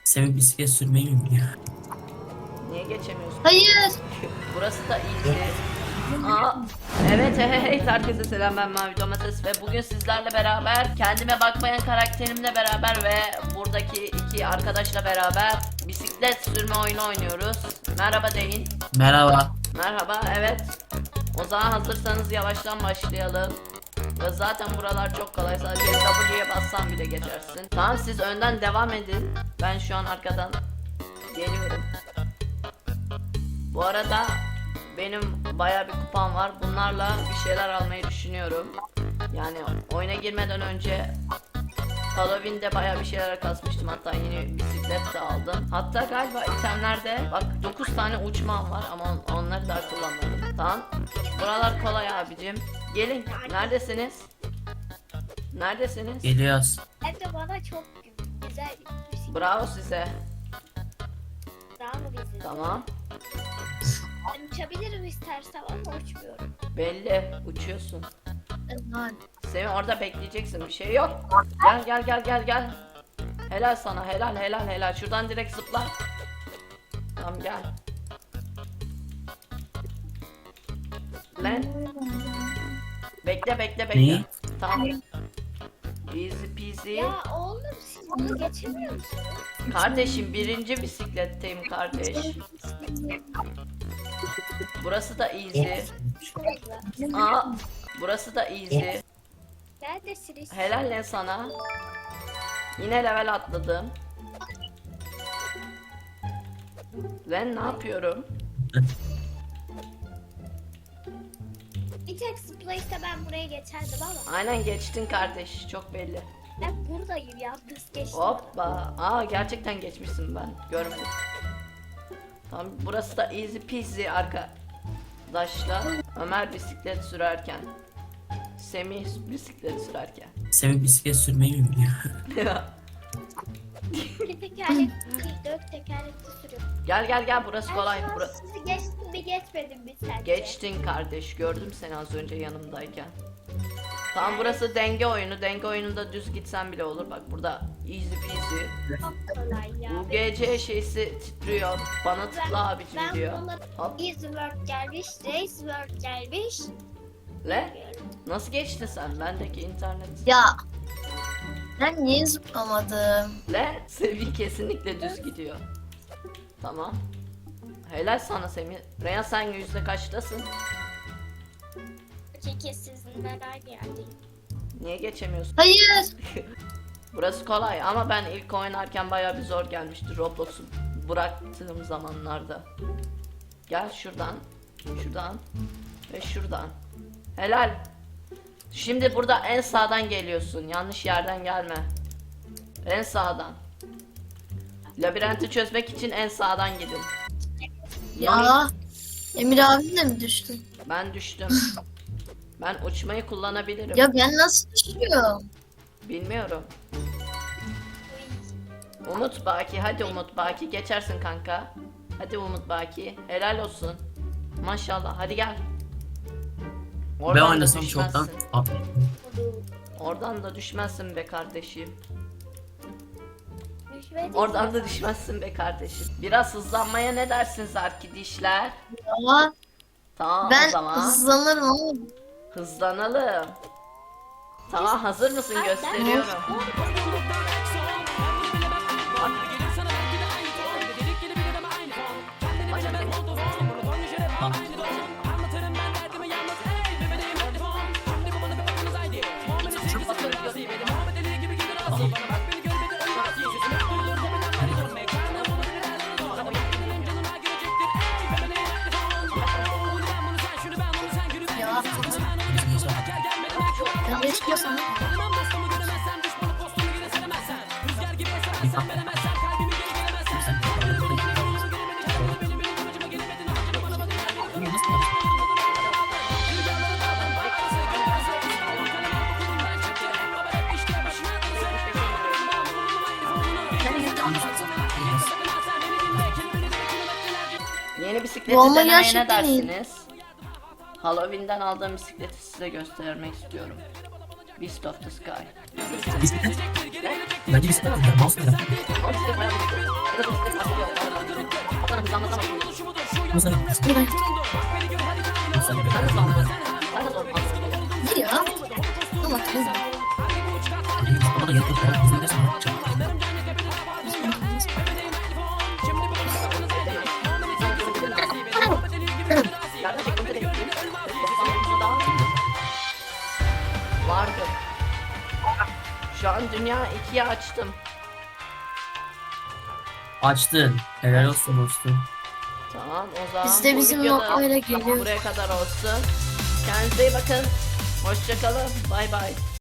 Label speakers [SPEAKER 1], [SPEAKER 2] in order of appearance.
[SPEAKER 1] Semih bisiklet sürmeyi mi biliyor?
[SPEAKER 2] Niye geçemiyorsun?
[SPEAKER 3] Hayır.
[SPEAKER 2] Burası da iyiydi. Aa, evet herkese selam, ben Mavi Domates ve bugün sizlerle beraber kendime bakmayan karakterimle beraber ve buradaki iki arkadaşla beraber bisiklet sürme oyunu oynuyoruz. Merhaba deyin.
[SPEAKER 1] Merhaba.
[SPEAKER 2] Merhaba, evet. O zaman hazırsanız yavaştan başlayalım. Ve zaten buralar çok kolay, sadece W'ye bassam bile geçersin. Tamam, siz önden devam edin. Ben şu an arkadan geliyorum. Bu arada benim bayağı bir kupam var. Bunlarla bir şeyler almayı düşünüyorum. Yani oyuna girmeden önce Halloween'de bayağı bir şeyler kasmıştım. Hatta yeni bisiklet de aldım. Hatta galiba itemlerde bak 9 tane uçmam var ama onları da kullanmadım. Tamam. Buralar kolay abicim. Gelin. Neredesiniz? Neredesiniz?
[SPEAKER 1] Geliyoruz.
[SPEAKER 3] Hem de bana çok güzel bir şey.
[SPEAKER 2] Bravo size.
[SPEAKER 3] Daha mı bizi?
[SPEAKER 2] Tamam.
[SPEAKER 3] Ben uçabilirim istersen ama uçmuyorum.
[SPEAKER 2] Belli. Uçuyorsun.
[SPEAKER 3] Aman.
[SPEAKER 2] Semih orada bekleyeceksin, bir şey yok. Gel. Helal sana, helal. Şuradan direkt zıpla. Tamam, gel. Lan. Bekle.
[SPEAKER 1] Neyi?
[SPEAKER 2] Tamam. Easy peasy.
[SPEAKER 3] Ya oğlum siz bunu geçemiyor musunuz?
[SPEAKER 2] Kardeşim, birinci bisikletteyim kardeş. Burası da easy. Aa, burası da easy.
[SPEAKER 3] Neredesiniz?
[SPEAKER 2] Helal lan sana. Yine level atladım. Lan ne yapıyorum?
[SPEAKER 3] Bir tek zıplayışta ben buraya geçerdim ama.
[SPEAKER 2] Aynen geçtin kardeş, çok belli.
[SPEAKER 3] Ben buradayım yalnız geçtim.
[SPEAKER 2] Hoppa. Aa, gerçekten geçmişsin, ben görmedim. Tamam, burası da easy peasy arkadaşlar. Ömer bisiklet sürerken, Semih bisiklet sürerken.
[SPEAKER 1] Semih bisiklet sürmeyi mi biliyor?
[SPEAKER 3] Bir tekerlekli değil, 4 tekerlekli sürüyorum.
[SPEAKER 2] Gel burası kolay.
[SPEAKER 3] Ben şu an sizi geçtim mi geçmedim mi sence?
[SPEAKER 2] Geçtin kardeş, gördüm seni az önce yanımdayken. Tamam, burası denge oyunu. Denge oyununda düz gitsen bile olur. Bak burada easy peasy.
[SPEAKER 3] Çok kolay ya.
[SPEAKER 2] UGC şeysi titriyor. Bana tıkla abicim
[SPEAKER 3] Ben
[SPEAKER 2] diyor.
[SPEAKER 3] bunları
[SPEAKER 2] Hop.
[SPEAKER 3] Easy World gelmiş, Race World gelmiş.
[SPEAKER 2] Le? Nasıl geçtin sen? Bendeki internet.
[SPEAKER 4] Ya ben niye zıplamadım?
[SPEAKER 2] Le? Semih kesinlikle düz gidiyor. Tamam. Helal sana Semih. Reyhan, sen yüzde kaçtasın?
[SPEAKER 3] Çünkü sizinle aynı yerdeyim.
[SPEAKER 2] Niye geçemiyorsun?
[SPEAKER 4] Hayır.
[SPEAKER 2] Burası kolay ama ben ilk oynarken bayağı bir zor gelmişti Roblox'u bıraktığım zamanlarda. Gel şuradan ve şuradan. Helal. Şimdi burada en sağdan geliyorsun. Yanlış yerden gelme. En sağdan. Labirenti çözmek için en sağdan gidin.
[SPEAKER 4] Ya Emir abin de mi düştü?
[SPEAKER 2] Ben düştüm. Ben uçmayı kullanabilirim.
[SPEAKER 4] Ya ben nasıl düşüyorum?
[SPEAKER 2] Bilmiyorum. Umut Baki, hadi Umut Baki, geçersin kanka. Hadi Umut Baki, helal olsun. Maşallah, hadi gel.
[SPEAKER 1] Ben
[SPEAKER 2] Oradan da
[SPEAKER 1] oynasam
[SPEAKER 2] düşmezsin.
[SPEAKER 1] çoktan.
[SPEAKER 2] Oradan da düşmezsin be kardeşim.
[SPEAKER 3] Düşmedi.
[SPEAKER 2] Oradan da düşmezsin be kardeşim. Biraz hızlanmaya ne dersiniz arkadaşlar?
[SPEAKER 4] Ya
[SPEAKER 2] Tamam, o
[SPEAKER 4] ben
[SPEAKER 2] zaman
[SPEAKER 4] hızlanırım ama
[SPEAKER 2] hızlanalım. Tamam, hazır mısın? Gösteriyorum.
[SPEAKER 4] ya ben de istiyorsan
[SPEAKER 2] Yeni bisikleti
[SPEAKER 4] Bu ama
[SPEAKER 2] denemeye ne
[SPEAKER 4] gerçekten iyi.
[SPEAKER 2] dersiniz? Halloween'den aldığım bisikleti size göstermek istiyorum. Beast of the Sky.
[SPEAKER 1] Bisiklet. Bence bisiklet. Mouse neden?
[SPEAKER 2] Ama işte bayağı bir- Hızlanmasına bak.
[SPEAKER 1] Hızlı.
[SPEAKER 4] Buradan
[SPEAKER 1] Hızlı.
[SPEAKER 2] Sen hızlandın. Sen de zor.
[SPEAKER 4] gir ya. Allah hızlı.
[SPEAKER 1] Ama da yakın kadar hızlı gidersen bakacağım.
[SPEAKER 2] Yerden çektim de değil. Vardı. Şu an dünya 2'ye açtım.
[SPEAKER 1] Açtın. Helal olsun dostum.
[SPEAKER 2] Tamam o zaman
[SPEAKER 4] Biz de
[SPEAKER 2] bu
[SPEAKER 4] bizim
[SPEAKER 2] videoda
[SPEAKER 4] öyle geliyor.
[SPEAKER 2] buraya kadar olsun. Kendinize iyi bakın. Hoşçakalın. Bay bay.